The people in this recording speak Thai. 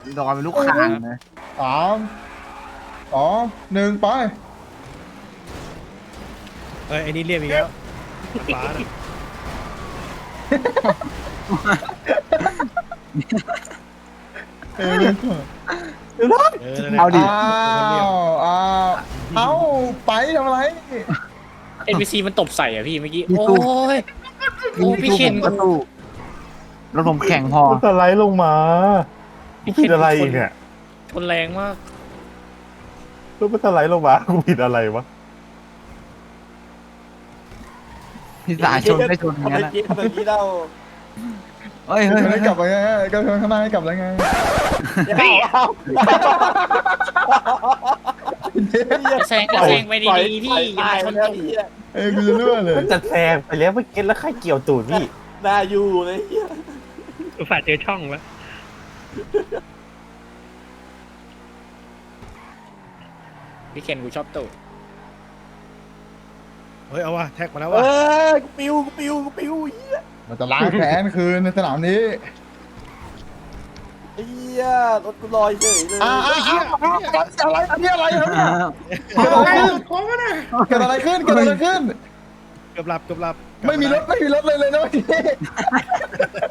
ดอนเป็นลูกข่างนะ 3 2 1 ไปเอ้ยไอ้นี่เรียบอีกแล้วฟ้าน่ะเออเออนั่นแหละเอาดิเอาไปทำอะไร NPC มันตบใส่อ่ะพี่เมื่อกี้มีโอ้ตู้ยโอ้พี่เคนก็ตู้รถผมแข่งพอมันสไลด์ลงมากูผิดอะไรเนี่ยชนแรงมากรถมันสไลด์ลงมากูผิดอะไรวะพี่สาชนไม่ชนอย่างนั้นนะทำไมกี้เราเฮ้ยเฮ้ยไม่เฮ้ยกลับไปไงก็ข้างหน้าให้กลับแล้วไงแซงก็แซงไปดีๆพี่อย่ามาชนแล้วตูดเฮียกูจะรั่วเลยมันจะแซงไปแล้วเมื่อกี้แล้วใครเกี่ยวตูดพี่น่าอยู่เลยเฮียอุตส่าห์เจอช่องแล้วพี่เคนกูชอบตูดเฮ้ยเอาว่ะแท็กมาแล้วเอว่ะอกูปิวเฮียมันจะล้างแค้นคืนในสนามนี้เฮียรถกูลอยเฉยเลยอะไรอันนี้อะไรครับเนี่ยเกิดอะไรขึ้นเกิดอะไรขึ้นเกือบหลับไม่มีรถเลยนะเมื่อกี้